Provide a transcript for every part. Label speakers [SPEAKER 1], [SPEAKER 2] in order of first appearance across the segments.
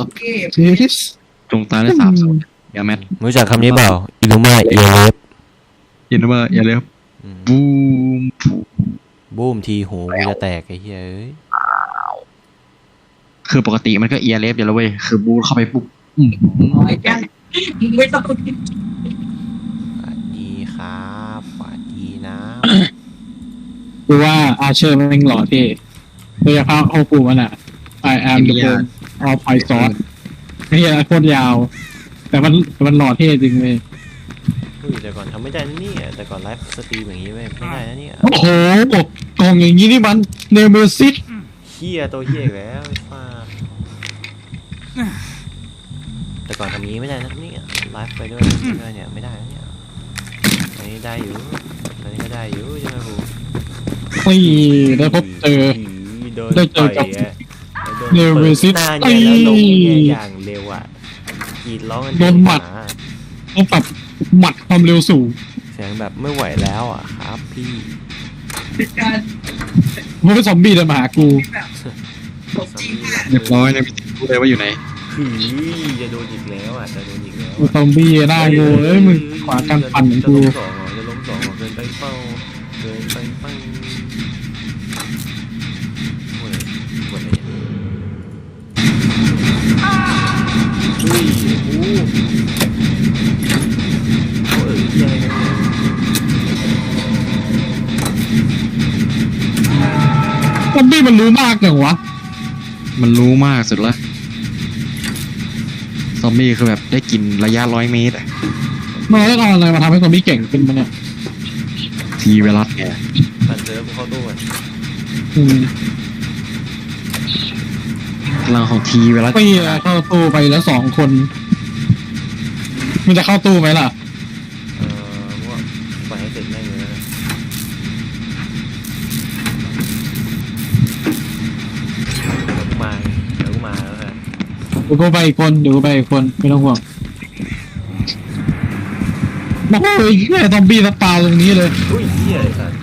[SPEAKER 1] ทิส
[SPEAKER 2] จงตายและสาบสูญอย่าแมท
[SPEAKER 3] รู้จักคำนี้เปล่าอินุมาเอเลฟ
[SPEAKER 2] ยินดีว่าอย่าเลยครับบูม
[SPEAKER 3] บูมทีหูกูจะแตกไอ้เหี้ยเอ้ย
[SPEAKER 2] คือปกติมันก็เอียร์เลฟอยู่แล้วเว้ยคือบูเข้าไปปุ๊บ
[SPEAKER 4] ไม่ต้อง
[SPEAKER 3] สวัสดีครับสวัสดีนะ
[SPEAKER 1] กูว่าอาเชอร์มันหล่อเท่โดยเฉพาะโอปูมันอ่ะ I am the bone of Python ไม่ใช่โคตรยาว แต่มันหล่อเท่จริงเลย
[SPEAKER 3] แต่ก่อนทำไม่ได้นะเนี่ยแต่ก่อนไลฟ์สตรีมอย่างนี้ไม่ได้นะเนี่ย
[SPEAKER 1] โอ้โหกล่องอย่างนี้นี่มันเนเมซิส
[SPEAKER 3] เฮียตัวเฮียอีกแล้วไอ้ฟ้าแต่ก่อนทำนี้ไม่ได้นะเนี่ยไลฟ์ไปด้วยเนี่ยไม่ได้นะเนี่ยอันนี้ได้อยู่อันนี้ก็ได้อยู่ใช่ไหมครู
[SPEAKER 1] นี่ได้พบเจอ
[SPEAKER 3] ได้เจอกับ
[SPEAKER 1] เนเมซิส
[SPEAKER 3] หน้าเนี่ยแล้วลงเนี่ยอย่างเร็วอ่ะกรีดร้องกัน
[SPEAKER 1] โดนหมัดต้องปรับหมัดความเร็วสูง
[SPEAKER 3] เสียงแบบไม่ไหวแล้วอ่ะครับพี่
[SPEAKER 4] การ
[SPEAKER 1] มันเป็นซอมบี้เดินมาหากู
[SPEAKER 2] เรียบร้อยเลยรู้เลยว่าอยู่ไหน
[SPEAKER 3] จะโดนอีกแล้วอ่ะจะโดนอีกแล้ว
[SPEAKER 1] ซอมบี้หน้ากูเอ้ยมึงขวากันปั่นของกู
[SPEAKER 3] จะล้มสองเกินไปเป้าเกินไปเป้าโอ้ยปวดเลยอุ้ยโอ้โหยังไงกัน
[SPEAKER 1] ซอมบี้มันรู้มากจังวะ
[SPEAKER 2] มันรู้มากสุดละซอมบี้คือแบบได้กินระยะ100 เมตรอะ
[SPEAKER 1] มันได้เอาอะไรมาทำให้ซอมบี้เก่งขึ้นมาเนี่ย
[SPEAKER 2] ทีเวลัสไง
[SPEAKER 3] ปันเจอกูเข้าตู้อ่ะ
[SPEAKER 1] อืม
[SPEAKER 2] พลังของทีเวลัส
[SPEAKER 1] ปี้เข้าตู้ไปแล้ว2 คนมันจะเข้าตู้ไหมล่ะ
[SPEAKER 3] ว่าปล่อยให้เสร็จแม่งเลยนะเดี๋ยวกูมาแล้วกัน
[SPEAKER 1] เดี๋ยวกูไปอีกคนไม่ต้องห่วงโอ้ยแค่ซอมบี้สปาตรงนี้เลย
[SPEAKER 3] อุ้ยเหี้ยไอ้สัส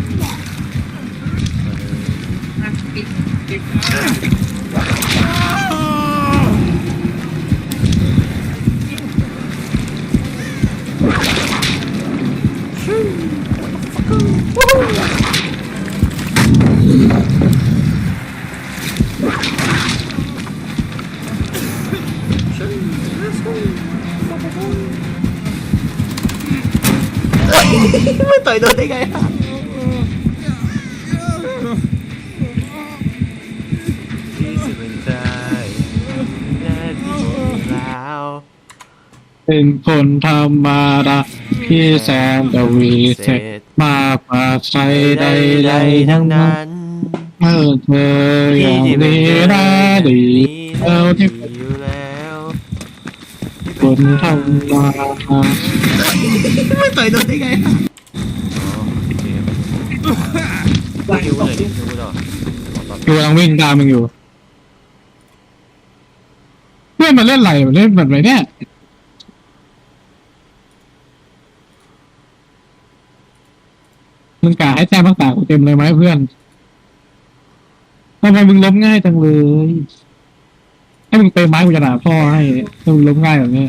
[SPEAKER 3] ไม่ต่อยโดนได้ไงอ่ะที่สุดเป็นใจแน่ที่แล้ว
[SPEAKER 1] เป็นคนธรรมดาที่แสนจะวิเศษมากกว่าใครใดๆทั้งนั้นเมื่อเธออย่างนี้ได้ดีแล้วที่เป็น
[SPEAKER 3] อยู่แล้ว
[SPEAKER 1] คนธรรมดา
[SPEAKER 3] ไม่ต่อยโดนได้ไงอ่ะคิวเลยดิคิวต่อ
[SPEAKER 1] กูกำลังวิ่งตามมึงอยู่เพื่อนมาเล่นอะไรเล่นแบบไหนเนี่ยมึงกะให้แต้มต่างๆกูเต็มเลยไหมเพื่อนทำไมมึงล้มง่ายจังเลยให้มึงเตะไม้กูจะด่าพ่อให้ถ้ามึงล้มง่ายแบบนี้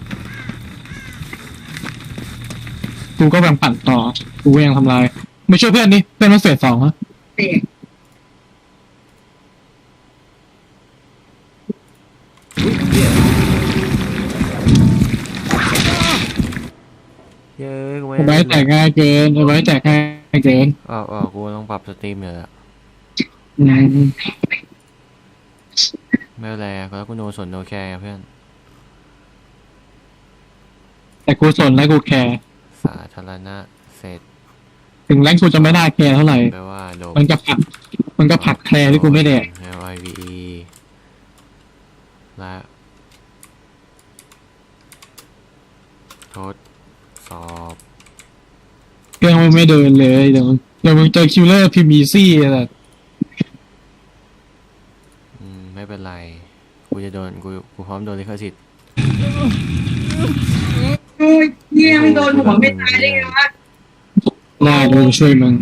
[SPEAKER 1] กูก็แบ่งปั่นต่อกูก็ยังทำลายไม่ช่วยเพื่อนนี่เพื่อนมันเฟส 2ฮะ
[SPEAKER 4] เตะ
[SPEAKER 3] เย้กู
[SPEAKER 1] ไอ้ไว้แตกง่ายเกินไอ้ไว้แตกง่ายเกิน
[SPEAKER 3] กูต้องปรับสตรีมอยู่แล้ว
[SPEAKER 1] อืม
[SPEAKER 3] ไม่เป็นไรแล้วกูโนสนโนแคร์เพื่อน
[SPEAKER 1] แต่กูสนและกูแคร์
[SPEAKER 3] สาธารณะเสร็จ
[SPEAKER 1] ถึงแรงกูจะไม่ได้แคร์เท่าไหร่
[SPEAKER 3] แปลว่าโด
[SPEAKER 1] มันก็ผลักแคร์ที่กูไม่แดก
[SPEAKER 3] แล้ว IVE และทดสอบ
[SPEAKER 1] เครื่องมันไม่เดินเลยเดี๋ยวมึงเจอคิวเลอร์พิมีซี่อะไร
[SPEAKER 3] ไม่เป็นไรกูจะโดนกูพร้อมโดนลิขสิทธิ์
[SPEAKER 4] โอ้ยเนี่ยมันโดนหัวไม่ตายได้ไงวะ
[SPEAKER 1] น่าดูช่วยมึง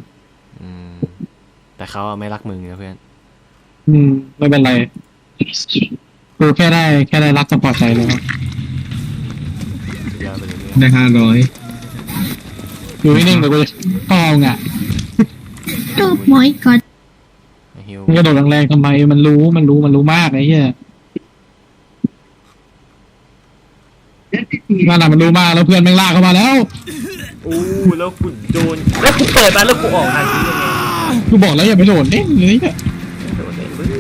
[SPEAKER 3] แต่เขาไม่รักมึงนะเพื่อน
[SPEAKER 1] ไม่เป็นไรกูแค่ได้รักก็พอใจแล้ว
[SPEAKER 3] สุดยอดไปเลย
[SPEAKER 2] ได้500
[SPEAKER 1] อยู่นิ่งๆเดี๋ยวกูจะต้องเอาอ่ะ
[SPEAKER 5] Oh my god
[SPEAKER 3] ฮิว
[SPEAKER 1] มึงกระโดดแรงๆทำไมมันรู้มากไอ้เหี้ยนั่นน่ะมันรู้มากแล้วเพื่อนแม่งลากเข้ามาแล้ว
[SPEAKER 3] อู้แล้วกูโดนแล้วกูเปิดมาแล้วกูออกทางนี้ยังไง
[SPEAKER 1] กูบอกแล้วอย่าไปโดดเด้งเลยเนี่ย
[SPEAKER 3] โดนเลยเว้ย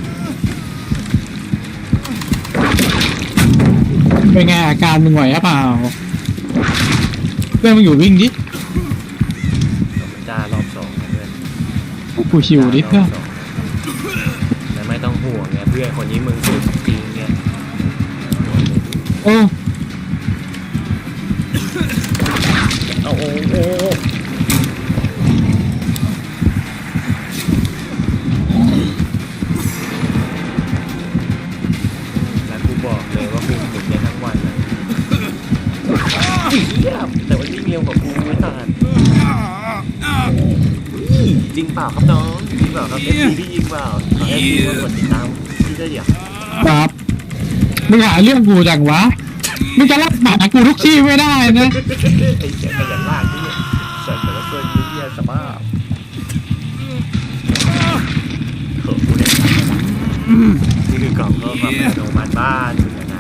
[SPEAKER 1] เป็นไงอาการมึงไหวหรือเปล่าเพื่อนมึงอยู่วิ่งดิ
[SPEAKER 3] จ้ารอบสองนะเพื่อน
[SPEAKER 1] กูชิวดิเพื่อน
[SPEAKER 3] แต่ไม่ต้องห่วงไงเพื่อนคนนี้มึงสุดจริงไง
[SPEAKER 1] โอ้
[SPEAKER 3] โอ้โหโอ้โหแล้วกูบอกเลยว่ากูฝึกได้ทั้งวันนะเยี่ยมแต่ว่าที่เร็วกว่ากูไม่ต่างจริงเปล่าครับน้องจริงเปล่าครับเอฟซีที่จริงเปล่าขอให้พี่มากดติดตามที่ได้เดี๋ยว
[SPEAKER 1] ครับมึงหาเรื่องกูจังวะมึงจะรับหมากูทุกที่ไม่ได้นะ
[SPEAKER 3] ไอ้เสียขยันลากนี่เสร็จแต่ละเพื่อนเยี่ยสภาพเขินกูเนี่ยนี่คือกล่องก็มาเป็นโนมันบ้านนะ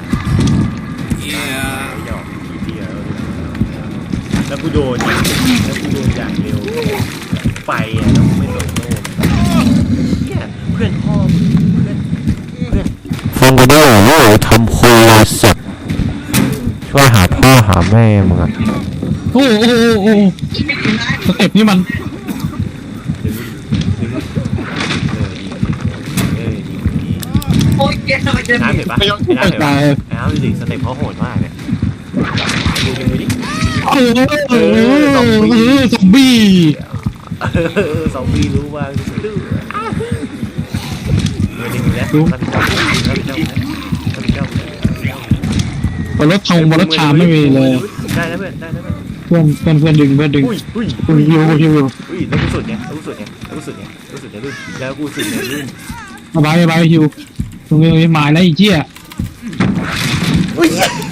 [SPEAKER 3] หยอกทีเดียวแล้วกูโดนอย่างเร็วไปอ่ะแล้วกูไม่โดนโดนเนี่ยเพื่อนพ่อเพื่อน
[SPEAKER 6] ฟังกูด้วยโว้ยทำโคลาสัตว์ช่วยหาพ่อหาแม่มึงอะ
[SPEAKER 1] โอ้สเต็ปนี่มัน
[SPEAKER 4] โอ้ยแกทำไมจะ
[SPEAKER 3] น้ำเห็นปะน้ำเห็น
[SPEAKER 1] ไป
[SPEAKER 3] ปะ
[SPEAKER 1] ตาย
[SPEAKER 3] น้ำดูดิสเต็ปเขาโหดมากเนี่ยดูดิ
[SPEAKER 1] ซอมบี้
[SPEAKER 3] ซอมบี้รู้ว่าดื้อเดี๋ยวนี้แล้วรับผิดชอบ
[SPEAKER 1] บนรถทองบนรถชามไม่มีเลย
[SPEAKER 3] ได้แล้วเพื่อนได้แล้วเพื่อน
[SPEAKER 1] เพื่อนดึง
[SPEAKER 3] อุ้ย
[SPEAKER 1] กูฮิว
[SPEAKER 3] แล้วกูสุดเนี่ยแล้วกูสุดเนี่ยรุ่นแล้วกูสุดเนี่ยรุ่น
[SPEAKER 1] สบายฮิวตรงนี้หมายแล้วไอ้เจี๊ย
[SPEAKER 3] อุ้ย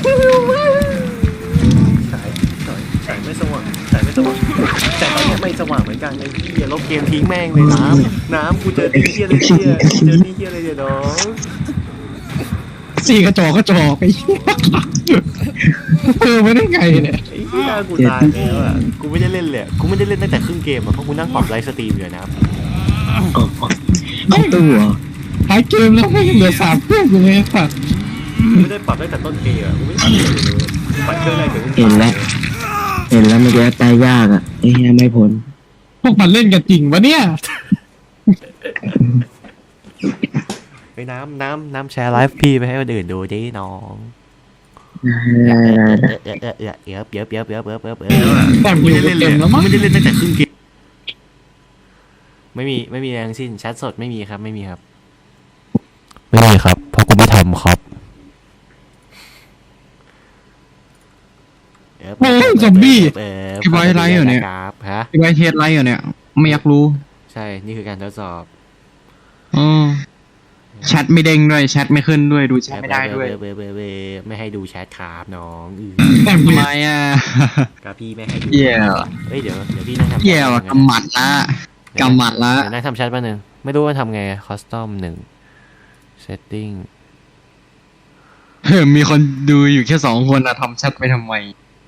[SPEAKER 3] สายไม่สว่างสายตอนนี้ไม่สว่างเหมือนกันไอ้เหี้ยลบเกมทิ้งแม่งเลยน้ำกูเจอที่เหี้ยเลยเดี๋ยวน้อง
[SPEAKER 1] สี่กระจอกไอ้เหี้ยไม่ได้ไงเนี่ย
[SPEAKER 3] ไอ้เหี้ยกูตายแล้วอ่ะกูไม่ได้เล่นเลยกูไม่ได้เล่นตั้งแต่ครึ่งเกมอ่ะเพราะกูนั่งปรับไลฟ์สตรีมอยู่นะ
[SPEAKER 2] เอาตู้เหรอ
[SPEAKER 1] ท้ายเกมแล้วไม่เหลือ3เครื่องอยู่เลยค่ะ
[SPEAKER 3] ไม่ได้ปรับตั้งแต่ต้นเกมอ่ะกูไม่ได้ปรับเลยปัดเครื่องแรกเดี๋ยว
[SPEAKER 2] เห็นแล้วเมื่อกี้ตายยากอ่ะไอ้เหี้ยไม่พ้น
[SPEAKER 1] พวกมันเล่นกันจริงวะเนี่ย
[SPEAKER 3] ไปน้ำแชร์ไลฟ์พี่ไปให้คนอื่นดูดิน้องเยอะ
[SPEAKER 1] แต่ฮิวเต็มแล้วมั้ง
[SPEAKER 3] ไม่ได้เล่นตั้งแต่ครึ่งเกมไม่มีแรงสิ้นแชทสดไม่มีครับไม่มีครับ
[SPEAKER 6] ไม่มีครับเพราะกูไม่ทำครับ
[SPEAKER 1] ซอมบี้
[SPEAKER 2] พี่บอยไลฟ์เหรอเนี่ย
[SPEAKER 3] ครับฮะ
[SPEAKER 2] พี่บอยเทสไลฟ์เหรอเนี่ยไม่อยากรู้
[SPEAKER 3] ใช่นี่คือการทดสอบ
[SPEAKER 2] อ๋อแชทไม่เด้งด้วยแชทไม่ขึ้นด้วยดูแชทไม่ได้ด้วย
[SPEAKER 3] ไม่ให้ดูแชทครับน้อง
[SPEAKER 1] แต่ฮิ
[SPEAKER 2] ทำ
[SPEAKER 1] ว
[SPEAKER 2] ไมอ่ะ
[SPEAKER 3] กับพี่ไม่ให้ดู
[SPEAKER 2] เหี้ย
[SPEAKER 3] เฮ้ยเดี๋ยวพี่นั่งทำ
[SPEAKER 2] เหี้ยว่ะกำหมัดละกำหมัดละ
[SPEAKER 3] นั่งทำแชทแป๊บนึงไม่รู้ว่าทำไงคอสตอม1 setting
[SPEAKER 2] มีคนดูอยู่แค่2 คนอะทำแชทไปทำไม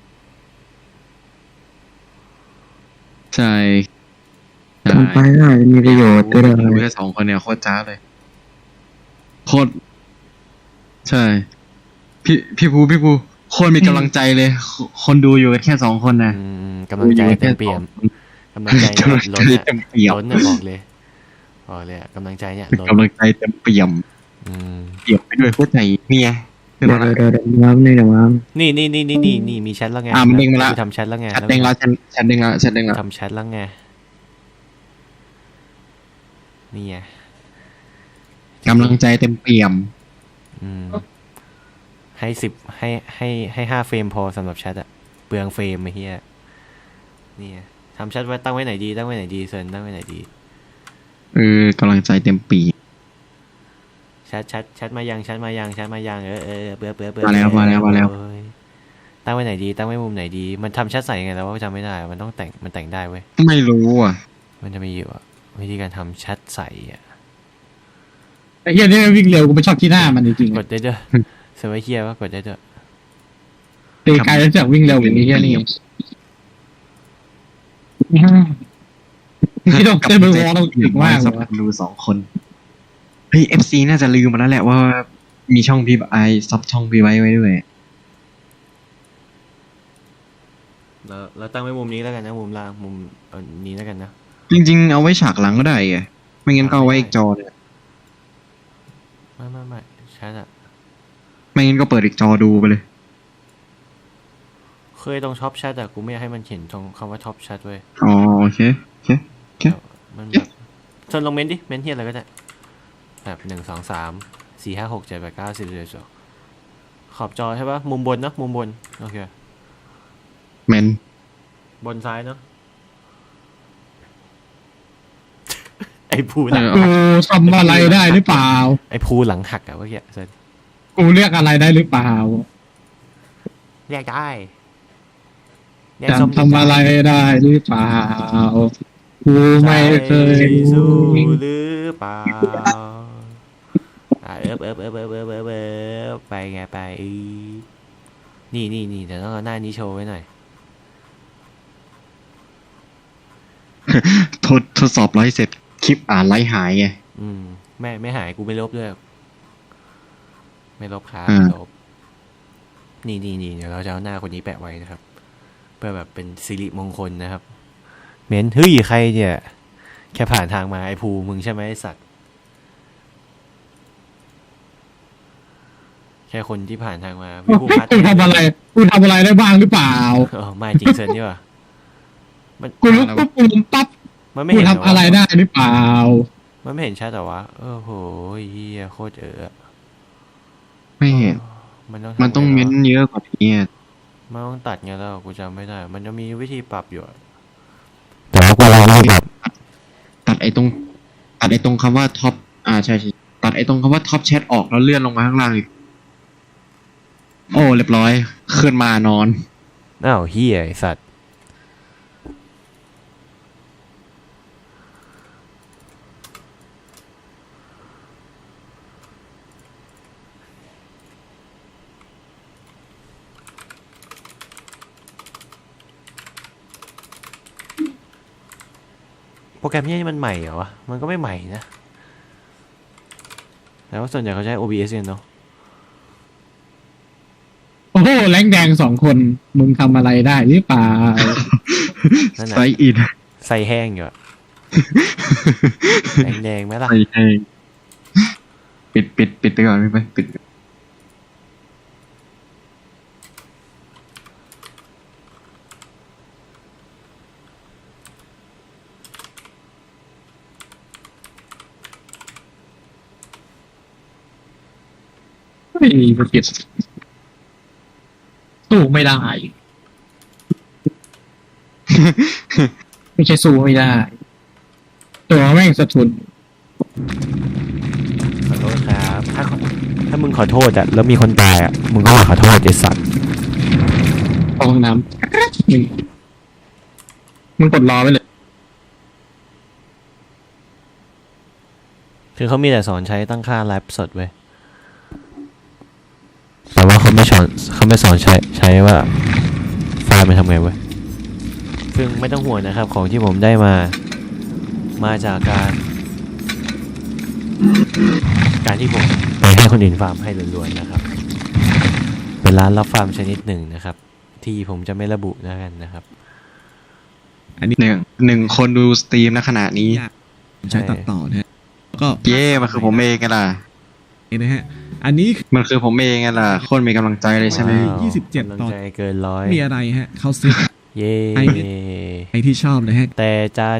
[SPEAKER 2] ใช่ทำไปน่าจะมีประโยชน์ด้วยดูแค่2 คนเนี่ยโคตรจ้าเลยโคตรใช่พี่ภูโคตรมีกำลังใจเลย คนดูอยู่กันแค่2 คนนะ
[SPEAKER 3] กำลังใจเต็มเปี่ยมกำลังใจเนี่ยล้น
[SPEAKER 2] เต็มเปี่ยม
[SPEAKER 3] ล้นเนี่ยบอกเลยอะกำลังใจเนี่ยล้น
[SPEAKER 2] กำลังใจเต็มเปี่ยมเปี่ยมไปด้วยหัวใจเนี่ยเดี๋ยวน้ำนี่น้ำ
[SPEAKER 3] นี่มีแชทแล้วไง
[SPEAKER 2] มันเด้งมาละ
[SPEAKER 3] ทำแชทแล้วไง
[SPEAKER 2] แชทเด้งแล้วแชทเด้งแล้ว
[SPEAKER 3] ทำแชทแล้วไงนี่ไง
[SPEAKER 2] กำลังใจเต็มเปี่ยม
[SPEAKER 3] ให้ให้5 เฟรมพอสำหรับแชทอะเปลืองเฟรมไอ้เหี้ยนี่ไงทำแชทไว้ตั้งไว้ไหนดีเซิร์นตั้งไว้ไหนดี
[SPEAKER 2] กำลังใจเต็มปี
[SPEAKER 3] แชชัดมายังเบื่อ
[SPEAKER 2] มาแล้ว
[SPEAKER 3] โอ้ยตั้งไว้ไหนดีตั้งไว้มุมไหนดีมันทำชัดใส่ยังไงแล้วว่าจำไม่ได้มันต้องแต่งมันแต่งได้เว้ย
[SPEAKER 2] ไม่รู้อ่ะ
[SPEAKER 3] มันจะมีอยู่อะวิธีการทำชัดใส่อะ
[SPEAKER 1] ไอ้เหี้ยนี่วิ่งเร็วกูไม่ชอบที่หน้ามันจริงๆ
[SPEAKER 3] กดได้ด้วยเซอร์ไวเคียว่ากดได้ด้วย
[SPEAKER 1] ตีไกลแล้วจากวิ่งเร็วอย่างนี้เหี้ยนี่ที่ต้องเต้นไปวอลต้องถึงมากเล
[SPEAKER 2] สั
[SPEAKER 1] ย
[SPEAKER 2] บดู2 คนเฮ้ย FC น่าจะลืมมาแล้วแหละว่ามีช่องพี่ไอซับช่องพี่ไว้ด้วย
[SPEAKER 3] เราตั้งไว้มุมนี้แล้วกันนะมุมล่างมุมนี้แล้วกันนะ
[SPEAKER 2] จริงๆเอาไว้ฉากหลังก็ได้ไงไม่งั้นก็เอาไว้อีกจอเนี่ย
[SPEAKER 3] ไม่ชัดอะ
[SPEAKER 2] ไม่งั้นก็เปิดอีกจอดูไปเลย
[SPEAKER 3] เคยตรงท็อปชัดอะกูไม่อยากให้มันเขียนตรงคำว่าท็อปชัดเว้ย
[SPEAKER 2] อ๋อโอเค
[SPEAKER 3] มันแบบเชิญลงเมนดิเมนที่อะไรก็ได้แบบ1 2 3 4 5 6 7 8 9 10 11 12ขอบจอใช่ปะมุมบนเนอะมุมบนโอเค
[SPEAKER 2] แมน
[SPEAKER 3] บนซ้ายเนอะ ไอ้ภูหลัง
[SPEAKER 1] กูทำอะไรได้หรือเปล่า
[SPEAKER 3] ไอ้ภูหลังหักอะเมื่อกี้เซน
[SPEAKER 1] กูเรียกอะไรได้หรือเปล่า
[SPEAKER 3] เรียกได้
[SPEAKER 1] จะทำอะไรได้หรือเปล่ากูไม่เคย
[SPEAKER 3] สู้หรือเปล่าไปไงไปนี่เดี๋ยวต้องเอาหน้านี้โชว์ไว้หน่อย
[SPEAKER 2] ทดสอบไลฟ์เสร็จคลิปไลฟ์หายไง
[SPEAKER 3] ไม่หายกูไม่ลบด้วยไม่ลบครับ
[SPEAKER 2] อ่า
[SPEAKER 3] ไม่ลบนี่เดี๋ยวเราจะเอาหน้าคนนี้แปะไว้นะครับเพื่อแบบเป็นสิริมงคลนะครับเม้นเฮ้ยใครเนี่ยแค่ผ่านทางมาไอ้ภูมึงใช่ไหมไอ้สัตว์แค่คนที่ผ่านทางมาพี่ภูพัฒน์
[SPEAKER 1] กูทำอะไรได้บ้างหรือเปล่า
[SPEAKER 3] ไม่จริงเซนนี่ว่ะมัน
[SPEAKER 1] กูลุกปุ๊บกูล้มปั๊บ
[SPEAKER 3] มันไม่
[SPEAKER 1] กู
[SPEAKER 3] เห็น
[SPEAKER 1] ทำอะไรได้หรือเปล่า
[SPEAKER 3] มันไม่เห็นชัดแต่ว่าโหเฮียโคตร
[SPEAKER 2] ไม่เห็น มันต้องเม้นเยอะกว่านี้
[SPEAKER 3] มันต้องตัดไงแล้วกูจำไม่ได้มันจะมีวิธีปรับอยู่แต่ว่ากูลองแบบ
[SPEAKER 2] ตัดไอ้ตรงคำว่าท็อปใช่ตัดไอ้ตรงคำว่าท็อปแชทออกแล้วเลื่อนลงมาข้างล่างอีกโอ้เรียบร้อยขึ้นมานอน
[SPEAKER 3] อ้าวเฮียไอสัตว์โปรแกรมนี้มันใหม่เหรอวะมันก็ไม่ใหม่นะแต่ว่าส่วนใหญ่เขาใช้ OBS กันเนาะ
[SPEAKER 1] โอ้โหแรงแดง2 คนมึงทำอะไรได้หรือเปล่า
[SPEAKER 3] นั่น
[SPEAKER 2] ไซ
[SPEAKER 3] น่ะ
[SPEAKER 2] อิน
[SPEAKER 3] ใส่แห้งอยู่อะแดงๆไหมล่ะ
[SPEAKER 2] ไซแห้งปิดไปก่อนไม่ไปปิด
[SPEAKER 1] ไม่เก็บสู้ไม่ได้ ไม่ใช่สู้ไม่ได้ ตัวแม่งสะทุน
[SPEAKER 3] ขอโทษครับถ้ามึงขอโทษอะแล้วมีคนตายอะมึงก็ขอโทษไอ้สัตว์
[SPEAKER 1] เข้าห้องน้ำมึงกดรอไว้เลย
[SPEAKER 3] คือเขามีแต่สอนใช้ตั้งค่าไลฟ์สดเว้ยแต่ว่าเขาไม่สอนใช้ว่าไฟล์มันทำไงเว้ยซึ่งไม่ต้องห่วงนะครับของที่ผมได้มาจากการที่ผมไปให้คนอื่นฟาร์มให้ล้วนๆนะครับเป็นร้านรับฟาร์มชนิดหนึ่งนะครับที่ผมจะไม่ระบุแล้วกันนะครับ
[SPEAKER 2] อันนี้หนึ่งคนดูสตรีมณขณะนี้
[SPEAKER 7] ใช้ตัดต่อนะฮะก็
[SPEAKER 2] เย่มันคือผมเองไงล่ะ
[SPEAKER 7] นะฮะอันนี้
[SPEAKER 2] มันคือผมเองไงล่ะคนมีกำลังใจเลยใช่ไหม
[SPEAKER 3] ว้าว
[SPEAKER 7] 27
[SPEAKER 3] กำลัง
[SPEAKER 7] ตอน
[SPEAKER 3] ใจเกินร้อย
[SPEAKER 7] มีอะไรฮะเขาซื้อ
[SPEAKER 3] เย้
[SPEAKER 7] ไอที่ชอบนะฮะ
[SPEAKER 3] แต่จาน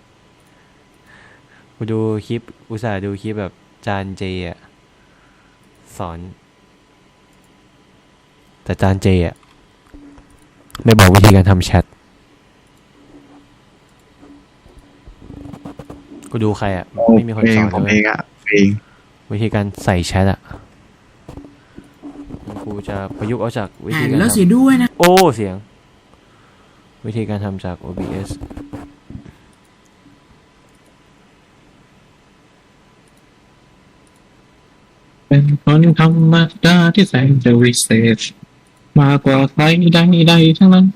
[SPEAKER 3] กูดูคลิปอุตส่าห์ดูคลิปแบบจานเจอะสอน แต่จานเจอะไม่บอกวิธีการทำแชทกูดูใครอะไม่มีคนสอน
[SPEAKER 2] ผม
[SPEAKER 3] เล
[SPEAKER 2] เอย งเอง
[SPEAKER 6] วิธีการใส่แชทอะครูจะประยุกต์เอาจากวิธีการ
[SPEAKER 4] แล้วเสียด้วยนะ
[SPEAKER 6] โอ้เสียงวิธีการทำจาก OBS
[SPEAKER 1] เป็นคนธรรมดาที่แสนจะวิเศษมากกว่าใครใดๆทั้งนั้น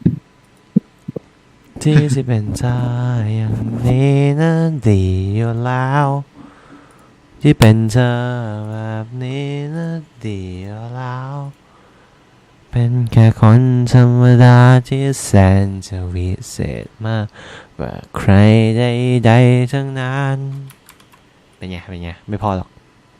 [SPEAKER 6] ที่สิเป็นใจอย่างนี้นั้นดีอยู่แล้วที่เป็นเธอแบบนี้นั้นดีอยู่แล้วเป็นแค่คนธรรมดาที่แสนจะวิเศษมากกว่าใครใดๆทั้งนั้นเป็นไงไม่พอหรอก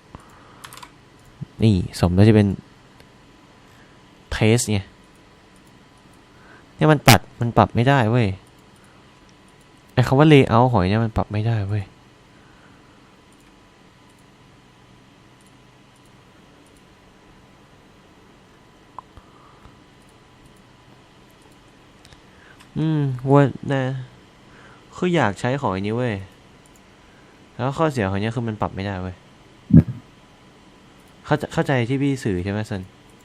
[SPEAKER 6] นี่สมแล้วจะเป็นเทสไงเนี่ยมันปรับไม่ได้เว้ยไอ้คำว่า layout หอยเนี่ยมันปรับไม่ได้เว้ยว่านะคืออยากใช้ของอันนี้เว้ยแล้วข้อเสียของเนี้ยคือมันปรับไม่ได้เว้ยเข้าใจที่พี่สื่อใช่ไหมซัน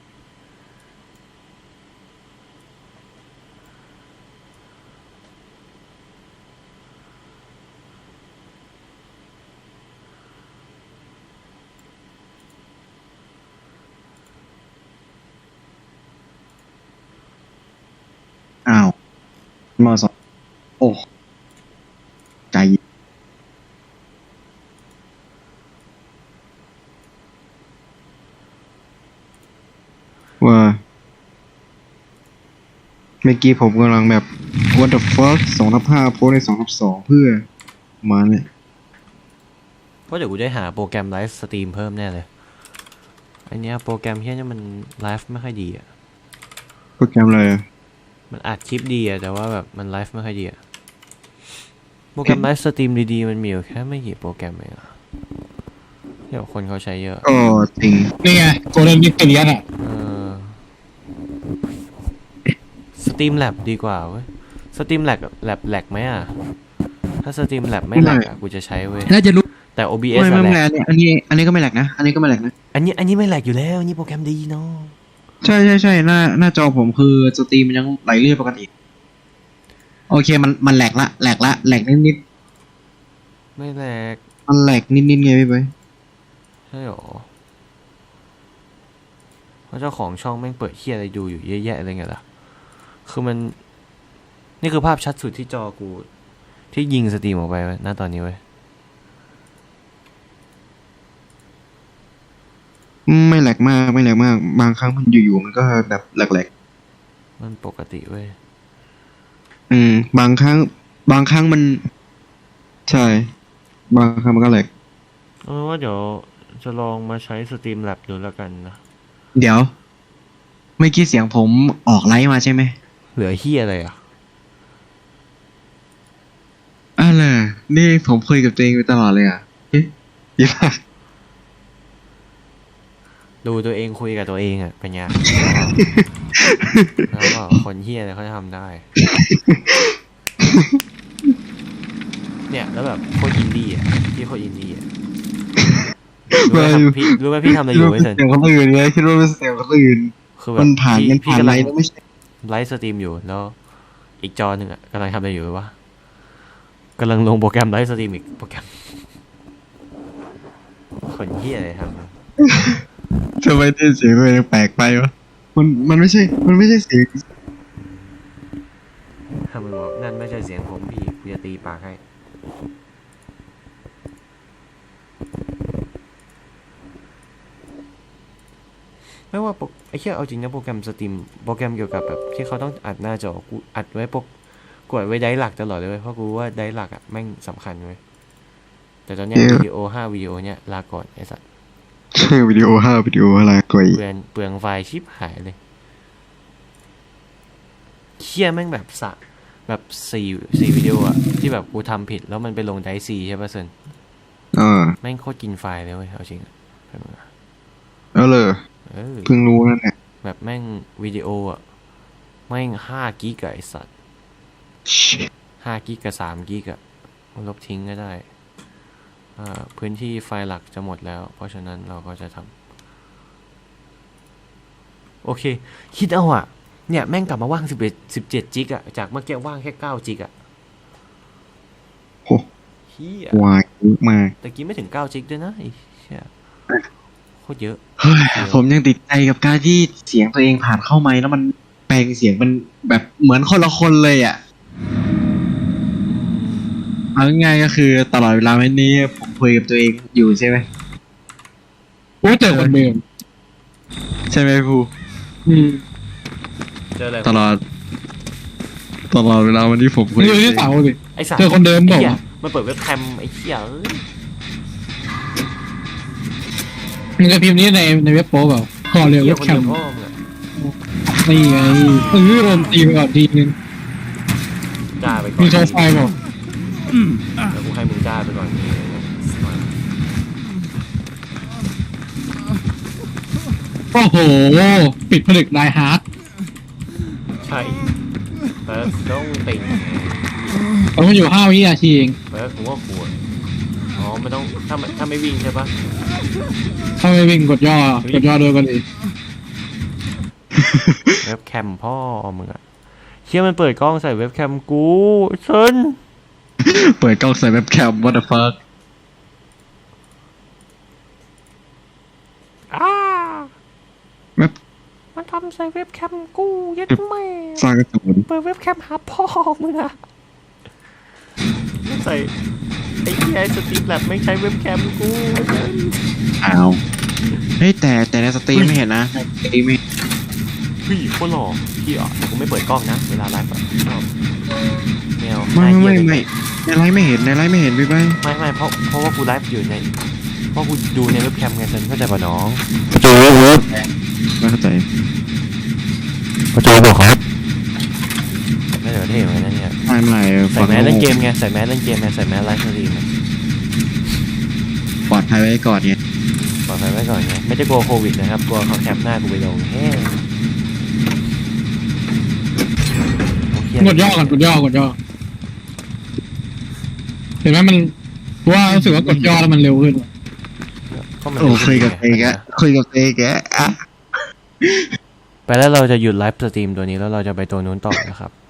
[SPEAKER 2] อ้าวมสองโอ้ใจว่าเมื่อกี้ผมกำลังแบบ what the fuck 2/5โพสใน2/2เพื่อมาเนี่ย
[SPEAKER 6] เพราะเดี๋ยวกูได้หาโปรแกรมไลฟ์สตรีมเพิ่มแน่เลยอันเนี้ยโปรแกรมเฮี้ยเนี่ยมันไลฟ์ไม่ค่อยดีอ่ะ
[SPEAKER 2] โปรแกรมอะไรอะ
[SPEAKER 6] มันอัดคลิปดีอ่ะแต่ว่าแบบมันไลฟ์ไม่ค่อยดีอ่ะโปรแกรมไลฟ์สตรีมดีๆมันมีอยู่แค่ไม่กี่โปรแกรมเองอ่ะเดี๋ยวคนเขาใช้เยอะ
[SPEAKER 2] ก็จริง
[SPEAKER 1] นี่ไงโกลเด้นวิกตอเรียนอ่ะ
[SPEAKER 6] สตรีมแลบดีกว่าเว้ยสตรีมแลบแลกไหมอ่ะถ้าสตรีมแลบไม่แลกอ่ะกูจะใช้เว้ย
[SPEAKER 7] น่าจะรู้
[SPEAKER 6] แต่ OBS
[SPEAKER 2] ไม่
[SPEAKER 6] อะ
[SPEAKER 2] ไม่
[SPEAKER 6] แล
[SPEAKER 2] แล
[SPEAKER 6] ก
[SPEAKER 2] เนี่ยอันนี้ก็ไม่แหลกนะอันนี้ก็ไม่แหลกนะ
[SPEAKER 6] อันนี้ไม่แลกอยู่แล้วนี่โปรแกรมดีเนาะ
[SPEAKER 2] ใช่หน้าจอผมคือสตรีมมันยังไหลเรื่อยปกติโอเคมันแหลกนิด
[SPEAKER 6] ไม่แลก
[SPEAKER 2] มันแหลกนิดไงพี่ไป
[SPEAKER 6] ใช่หรอเพราะเจ้าของช่องแม่งเปิดเฮียอะไรดูอยู่เยอะแยะอะไรเงี้ยล่ะคือมันนี่คือภาพชัดสุดที่จอกูที่ยิงสตรีมออกไปณตอนนี้เว้ย
[SPEAKER 2] ไม่แหลกมากบางครั้งมันอยู่ๆมันก็แบบแหลก
[SPEAKER 6] มันปกติเว้ย
[SPEAKER 2] บางครั้งมัน ใช่บางครั้งมันก็แหลก
[SPEAKER 6] ว่าเดี๋ยวจะลองมาใช้สตรีมแลบดูแล้วกันนะ
[SPEAKER 2] เดี๋ยวเมื่อกี้เสียงผมออกไลฟ์มาใช่ไหม
[SPEAKER 6] เหลือเฮียอะไรอ่ะ
[SPEAKER 2] อะไรนี่ผมคุยกับตัวเองไปตลอดเลยอ่ะเอ๊ะยี่ห้า
[SPEAKER 6] ดูตัวเองคุยกับตัวเองอ่ะเป็นไง แล้วก็คนเฮียอะไรเขาจะทำได้ เนี่ยแล้วแบบโคตรอินดี้อ่ะพี่โคตรอินดี้อ่ะรู้ไหมพี่ทำอะไรอยู่ไว้เถอะ
[SPEAKER 2] เสียงคนอื่นไงคิดว่าเป็นเสียงคนอื่น
[SPEAKER 6] คือแบบ
[SPEAKER 2] มันผ่าน
[SPEAKER 6] พี่กำ
[SPEAKER 2] ไล
[SPEAKER 6] ลัง
[SPEAKER 2] ฟ์แล้วไม่ใช่
[SPEAKER 6] ไลฟ์สตรีมอยู่แล้วอีกจอหนึ่งอ่ะกำลังทำอะไรอยู่วะกำลังลงโปรแกรมไลฟ์สตรีมอีกโปรแกรมคนเฮียอะไรทำ
[SPEAKER 2] ทำไมได้เสียงตัวเองแปลกไปวะมันไม่ใช่เสียง
[SPEAKER 6] ถ้ามึงบอกนั่นไม่ใช่เสียงผมพี่กูจะตีปากให้ไม่ว่าไอ้เหี้ยเอาจริงนะโปรแกรมสตรีมโปรแกรมเกี่ยวกับแบบที่เขาต้องอัดหน้าจอกูอัดไว้กดไว้ไดร์หลักตลอดเลยเว้ยเพราะกูว่าไดร์หลักอ่ะแม่งสำคัญเว้ยแต่ตอนเนี้ยวิดีโอ5วิดีโอเนี้ยลาก่อนไอ้สัส
[SPEAKER 2] วิดีโอ5วิดีโออะไรกว่า
[SPEAKER 6] เปลืองไฟล์ชิปหายเลยเหี้ยแม่งแบบแบบ4วิดีโออะที่แบบกูทำผิดแล้วมันไปลงไดร์ซีใช่ป่ะเซนแม่งโคตรกินไฟล์เลยเว้ยเอาจริง
[SPEAKER 2] แล้วเลยเพิ่งรู้นั่นแหละ
[SPEAKER 6] แบบแม่งวิดีโออ่ะแม่ง5 กิกะไอสัตว์5 กิกกับ3 กิกะลบทิ้งก็ได้พื้นที่ไฟหลักจะหมดแล้ว เพราะฉะนั้นเราก็จะทำโอเค คิดเอาอะเนี่ยแม่งกลับมาว่าง17จิกอะจากเมื่อกี้ว่างแค่9จิกอะเฮียว
[SPEAKER 2] ายมาก
[SPEAKER 6] แต่กี้ไม่ถึง9จิกด้วยนะไอ้เชี่ยโคตรเยอะ
[SPEAKER 2] เฮ้ยผมยังติดใจกับการที่เสียงตัวเองผ่านเข้าไมค์แล้วมันแปลงเสียงมันแบบเหมือนคนละคนเลยอ่ะเอาง่ายๆก็คือตลอดเวลาวันนี้ผมคุยกับตัวเองอยู่ใช่ไหม
[SPEAKER 1] โอ้เจอคนเดิม
[SPEAKER 2] ใช่ไหมภู
[SPEAKER 3] เจออะไร
[SPEAKER 2] ตลอดเวลาวันนี้ผมคุย
[SPEAKER 1] นี่
[SPEAKER 2] กับ
[SPEAKER 1] ดู
[SPEAKER 2] ตัว
[SPEAKER 1] ที่
[SPEAKER 2] เอง
[SPEAKER 1] เสาสิ
[SPEAKER 6] ไอ้สัตว์
[SPEAKER 1] เจอคนเดิม
[SPEAKER 6] ไอ้
[SPEAKER 1] บอก
[SPEAKER 6] เหี้ย
[SPEAKER 1] ว่า
[SPEAKER 6] มันเปิดเว็บแคมไอ้เหี้ยเอ้ย
[SPEAKER 1] มึงจะพิมพ์นี้ในเว็บโป๊เปล่าขอเร็ว
[SPEAKER 6] เหี้
[SPEAKER 1] เว็
[SPEAKER 6] ย
[SPEAKER 1] บ
[SPEAKER 6] คน
[SPEAKER 1] แค
[SPEAKER 6] เดียว
[SPEAKER 1] ม
[SPEAKER 6] พ่อมึงอะ
[SPEAKER 1] นี่ไงโดนตีไปก่อนทีนึง
[SPEAKER 3] จ้าไปก่อ
[SPEAKER 1] มี
[SPEAKER 3] น
[SPEAKER 1] โชว์ไฟบอก
[SPEAKER 3] แล้วกูให้มึงจ้าไปก่อน
[SPEAKER 1] โอ้โหปิดผลึกไดฮาร์ด
[SPEAKER 3] ใช่เฟิร์สต้องติ่ง
[SPEAKER 1] เราอยู่5 วินาทีเอง
[SPEAKER 3] เฟิร์สกูว่าควรอ๋อไม่ต้องถ้าไม่วิ่งใช่ปะ
[SPEAKER 1] ถ้าไม่วิ่งกดย่ด้วยกันเลย
[SPEAKER 6] เว็บแคมพ่อมึงอะเชี่ยมันเปิดกล้องใส่เว็บแคมกูเซิน
[SPEAKER 2] เปิดกล้องใส่เว็บแคม what the fuck เว็บ
[SPEAKER 6] มันทำใส่เว็บแคมกูยัดแม่
[SPEAKER 2] สร้างกระสุน
[SPEAKER 6] เปิดเว็บแคมหาพ่อมึงอะ
[SPEAKER 3] ใส่ไอ้เหี้ยสตรีมแลบไม่ใช้เว็บแคมกู
[SPEAKER 2] อ้าวเฮ้ยแต่ในสตรีมไม่เห็นนะในสตรีมไม่
[SPEAKER 6] พี่โคตรหล่อพี่อ่ะแต่กูไม่เปิดกล้องนะเวลาไลฟ์อะชอบแมว
[SPEAKER 2] ไม่
[SPEAKER 6] น่าเกลียด
[SPEAKER 2] ในไลฟ์ไม่เห็นพี่ไป
[SPEAKER 6] ไม่เพราะว่ากูไลฟ์อยู่ในเพราะกูดูในเว็บแคมไงเซนเข้าใจป่ะน้อง
[SPEAKER 2] ไม่เข้าใจ
[SPEAKER 6] ประตูบอกครับน่าจะเท่เหมือนกันนะเนี่ย
[SPEAKER 2] ไม่
[SPEAKER 6] ใส่แมสเล่นเกมไงใส่แมสเล่นเกมไงใส่แมสไลฟ์สตรีมไง
[SPEAKER 2] ปลอดภัยไว้ก่อนเนี่ย
[SPEAKER 6] ปลอดภัยไว้ก่อนไงไม่ได้กลัวโควิดนะครับกลัวเขาแคปหน้ากูไปลงเฮ้ย
[SPEAKER 1] กดย่อก่อนกดย่เห็นไหมมันว่ารู้สึกว่ากดย่อแล้วมันเร็วขึ้น
[SPEAKER 6] ก็มัน
[SPEAKER 2] โอ้คุยกับเตแกอ่ะ
[SPEAKER 6] ไปแล้วเราจะหยุดไลฟ์สตรีมตัวนี้แล้วเราจะไปตัวนู้นต่อนะครับ